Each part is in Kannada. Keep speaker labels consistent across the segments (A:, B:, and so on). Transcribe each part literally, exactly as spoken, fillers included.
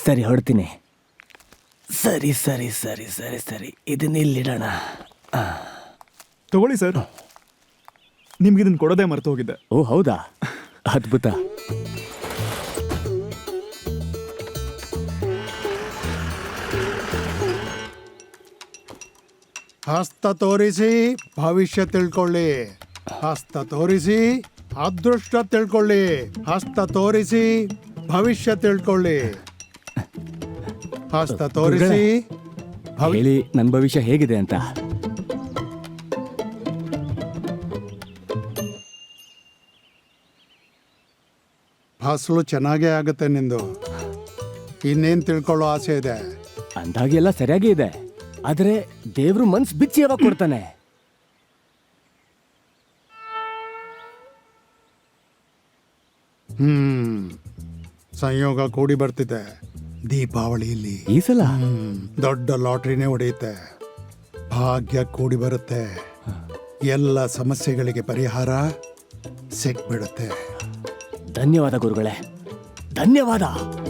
A: ಸರಿ ಹೊಡ್ತೀನಿ. ಸರಿ ಸರಿ ಸರಿ ಸರಿ ಸರಿ ಇದನ್ನ ಇಲ್ಲಿಡೋಣ.
B: ತಗೊಳ್ಳಿ ಸರ್, ನಿಮ್ಗೆ ಇದನ್ನ ಕೊಡೋದೇ ಮರೆತು ಹೋಗಿದ್ದೆ.
A: ಓ ಹೌದಾ, ಅದ್ಭುತ.
C: ಹಸ್ತ ತೋರಿಸಿ ಭವಿಷ್ಯ ತಿಳ್ಕೊಳ್ಳಿ, ಹಸ್ತ ತೋರಿಸಿ ಅದೃಷ್ಟ ತಿಳ್ಕೊಳ್ಳಿ, ಹಸ್ತ ತೋರಿಸಿ ಭವಿಷ್ಯ ತಿಳ್ಕೊಳ್ಳಿ, ಹಸ್ತ ತೋರಿಸಿ ಭವಿ-
A: ಹೇಳಿ ನನ್ನ ಭವಿಷ್ಯ ಹೇಗಿದೆ ಅಂತ.
C: ಫಸಲು ಚೆನ್ನಾಗೇ ಆಗುತ್ತೆ ನಿಂದು. ಇನ್ನೇನು ತಿಳ್ಕೊಳ್ಳೋ ಆಸೆ ಇದೆ?
A: ಅಂದಾಗೆ ಎಲ್ಲ ಸರಿಯಾಗಿ ಇದೆ, ಆದ್ರೆ ದೇವ್ರು ಮನ್ಸ್ ಬಿಚ್ಚಿ ಯಾವಾಗ ಕೊಡ್ತಾನೆ?
C: ಹ್ಮ್ ಸಂಯೋಗ ಕೂಡಿ ಬರ್ತಿದೆ. ದೀಪಾವಳಿಯಲ್ಲಿ
A: ಈ ಸಲ
C: ಹ್ಮ್, ದೊಡ್ಡ ಲಾಟ್ರಿನೇ ಹೊಡೆಯುತ್ತೆ. ಭಾಗ್ಯ ಕೂಡಿ ಬರುತ್ತೆ. ಎಲ್ಲ ಸಮಸ್ಯೆಗಳಿಗೆ ಪರಿಹಾರ ಸಿಕ್ಬಿಡುತ್ತೆ.
A: ಧನ್ಯವಾದ ಗುರುಗಳೇ, ಧನ್ಯವಾದ.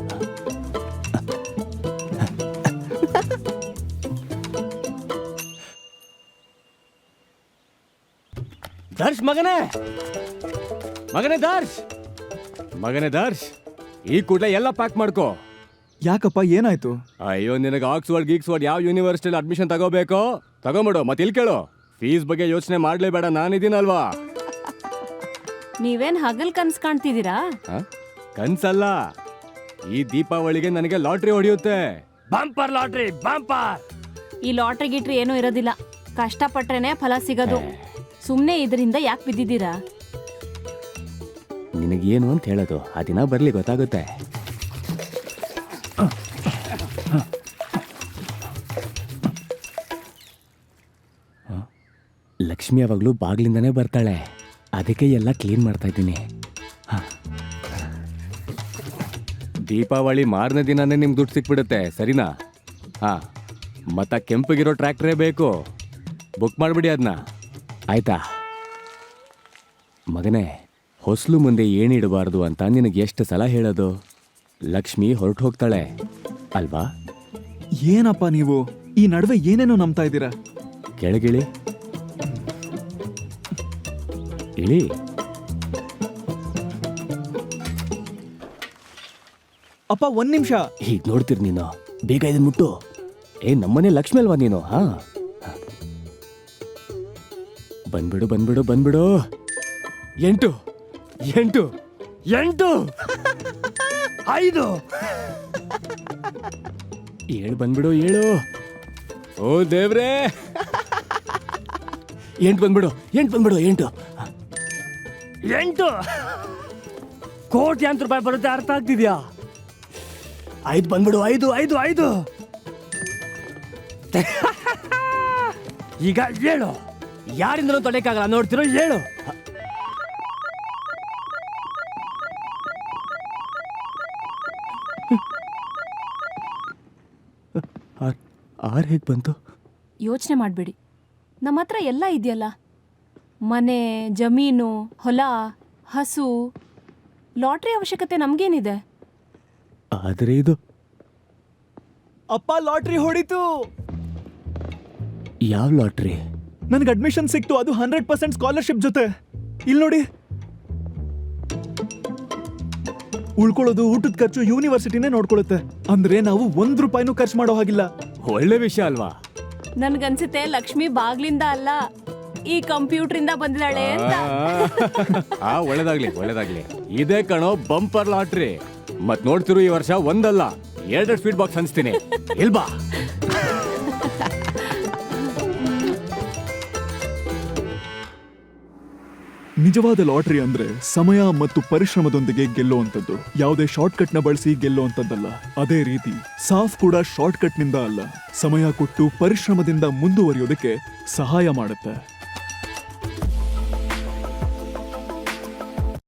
A: ದರ್ಶ್ ಮಗನೇ, ಮಗನೇ ದರ್ಶ್, ಮಗನೇ ದರ್ಶ್, ಈ ಕೂಡಲೇ ಎಲ್ಲ ಪ್ಯಾಕ್ ಮಾಡ್ಕೋ.
B: ಯಾಕಪ್ಪ, ಏನಾಯ್ತು?
A: ಅಯ್ಯೋ, ನಿನಗೆ ಆಕ್ಸ್ಫರ್ಡ್ ಗೀಕ್ಸ್ಫರ್ಡ್ ಯಾವ ಯೂನಿವರ್ಸಿಟಿಲಿ ಅಡ್ಮಿಷನ್ ತಗೋಬೇಕೋ ತಗೊಂಬಿಡು. ಮತ್ತೆ ಇಲ್ಲಿ ಕೇಳು, ಫೀಸ್ ಬಗ್ಗೆ ಯೋಚನೆ ಮಾಡ್ಲೇಬೇಡ, ನಾನಿದ್ದೀನಲ್ವಾ.
D: ನೀವೇನ್ ಹಗಲ್ ಕನ್ಸ್ ಕಾಣ್ತಿದ್ದೀರಾ?
A: ಆ? ಕನ್ಸಲ್ಲ, ಈ ದೀಪಾವಳಿಗೆ ನನಗೆ ಲಾಟ್ರಿ ಹೊಡೆಯುತ್ತೆ. Bumper lottery, bumper.
D: ಈ ಲಾಟ್ರಿ ಗಿಟ್ರಿ ಏನೂ ಇರೋದಿಲ್ಲ, ಕಷ್ಟಪಟ್ರೇನೆ ಫಲ ಸಿಗೋದು. ಸುಮ್ನೆ ಇದರಿಂದ ಯಾಕೆ ಬಿದ್ದಿದ್ದೀರಾ?
A: ನಿನಗೇನು ಅಂತ ಹೇಳೋದು, ಆ ದಿನ ಬರ್ಲಿ ಗೊತ್ತಾಗುತ್ತೆ. ಲಕ್ಷ್ಮಿ ಯಾವಾಗಲೂ ಬಾಗ್ಲಿಂದಾನೇ ಬರ್ತಾಳೆ, ಅದಕ್ಕೆ ಎಲ್ಲ ಕ್ಲೀನ್ ಮಾಡ್ತಾ ಇದ್ದೀನಿ. ದೀಪಾವಳಿ ಮಾರನೇ ದಿನನೇ ನಿಮ್ಗೆ ದುಡ್ಡು ಸಿಕ್ಬಿಡುತ್ತೆ, ಸರಿನಾ? ಹಾ, ಮತ್ತ ಕೆಂಪಗಿರೋ ಟ್ರ್ಯಾಕ್ಟ್ರೇ ಬೇಕು, ಬುಕ್ ಮಾಡಿಬಿಡಿ ಅದನ್ನ, ಆಯ್ತಾ? ಮಗನೇ, ಹೊಸಲು ಮುಂದೆ ಏನಿಡಬಾರ್ದು ಅಂತ ನಿನಗೆ ಎಷ್ಟು ಸಲ ಹೇಳೋದು? ಲಕ್ಷ್ಮಿ ಹೊರಟು ಹೋಗ್ತಾಳೆ ಅಲ್ವಾ?
B: ಏನಪ್ಪ ನೀವು ಈ ನಡುವೆ ಏನೇನೋ ನಂಬ್ತಾ ಇದ್ದೀರಾ?
A: ಕೆಳಗಿಳಿ, ಇಳಿ.
B: ಅಪ್ಪ ಒಂದ್ ನಿಮಿಷ.
A: ಹೀಗೆ ನೋಡ್ತೀರಿ ನೀನು, ಬೇಗ ಇದನ್ನ ಮುಟ್ಟು. ಏ, ನಮ್ಮನೆ ಲಕ್ಷ್ಮಿ ಅಲ್ವಾ ನೀನು? ಹಾ, ಬಂದ್ಬಿಡು ಬಂದ್ಬಿಡು ಬಂದ್ಬಿಡು. ಎಂಟು ಎಂಟು ಎಂಟು ಐದು ಏಳು ಬಂದ್ಬಿಡು, ಏಳು. ಓ ದೇವ್ರೇ, ಎಂಟು ಬಂದ್ಬಿಡು, ಎಂಟು ಬಂದ್ಬಿಡು, ಎಂಟು ಎಂಟು ಕೋಟ್ಯಾಂತರ ರೂಪಾಯಿ ಬರುತ್ತೆ, ಅರ್ಥ ಆಗ್ತಿದ್ಯಾ? ಐದು ಬಂದ್ಬಿಡು, ಐದು ಐದು ಐದು. ಈಗ ಏಳು, ಯಾರಿಂದನೂ ತೊಳೆಯಕ್ಕಾಗಲ್ಲ, ನೋಡ್ತಿರೋ ಏಳು. ಆರು ಹೇಗೆ ಬಂತು?
D: ಯೋಚನೆ ಮಾಡಬೇಡಿ, ನಮ್ಮ ಹತ್ರ ಎಲ್ಲ ಇದೆಯಲ್ಲ. ಮನೆ, ಜಮೀನು, ಹೊಲ, ಹಸು. ಲಾಟ್ರಿ ಅವಶ್ಯಕತೆ ನಮಗೇನಿದೆ?
A: ಆದರೆ ಇದು
B: ಅಪ್ಪ, ಲಾಟ್ರಿ ಹೊಡಿತು.
A: ಯಾವ ಲಾಟ್ರಿ?
B: ನನ್ಗೆ ಅಡ್ಮಿಷನ್ ಸಿಕ್ತು, ಅದು ಹಂಡ್ರೆಡ್ ಪರ್ಸೆಂಟ್ ಸ್ಕಾಲರ್ಶಿಪ್ ಜೊತೆ. ಇಲ್ಲಿ ನೋಡಿ, ಉಳ್ಕೊಳ್ಳೋದು, ಊಟದ ಖರ್ಚು ಯೂನಿವರ್ಸಿಟಿನೇ ನೋಡ್ಕೊಳ್ಳುತ್ತೆ. ಅಂದ್ರೆ ನಾವು ಒಂದ್ ರೂಪಾಯಿನೂ ಖರ್ಚು ಮಾಡೋ ಹಾಗಿಲ್ಲ.
A: ಒಳ್ಳೆ ವಿಷಯ ಅಲ್ವಾ?
D: ನನ್ಗನ್ಸುತ್ತೆ ಲಕ್ಷ್ಮಿ ಬಾಗ್ಲಿಂದ ಅಲ್ಲ, ಈ ಕಂಪ್ಯೂಟರ್ ಇಂದ ಬಂದಿದ್ದಾಳೆ ಅಂತ.
A: ಆ, ಒಳ್ಳೇದಾಗ್ಲಿ ಒಳ್ಳೇದಾಗ್ಲಿ. ಇದೇ ಕಣೋ ಬಂಪರ್ ಲಾಟ್ರಿ. ಮತ್ ನೋಡ್ತಿರು, ಈ ವರ್ಷ ಒಂದಲ್ಲ ಎರಡು ಸ್ವೀಟ್ ಬಾಕ್ಸ್ ಹಂಚ್ತೀನಿ, ಇಲ್ಬಾ?
B: ನಿಜವಾದ ಲಾಟರಿ ಅಂದ್ರೆ ಸಮಯ ಮತ್ತು ಪರಿಶ್ರಮದೊಂದಿಗೆ ಗೆಲ್ಲುವಂಥದ್ದು. ಯಾವುದೇ ಶಾರ್ಟ್ ಕಟ್ ನ ಬಳಸಿ ಗೆಲ್ಲುವಂಥದ್ದಲ್ಲ. ಅದೇ ರೀತಿ ಸಾಫ್ ಕೂಡ ಶಾರ್ಟ್ ಕಟ್ ನಿಂದ ಅಲ್ಲ, ಸಮಯ ಕೊಟ್ಟು ಪರಿಶ್ರಮದಿಂದ ಮುಂದುವರಿಯೋದಕ್ಕೆ ಸಹಾಯ ಮಾಡುತ್ತೆ.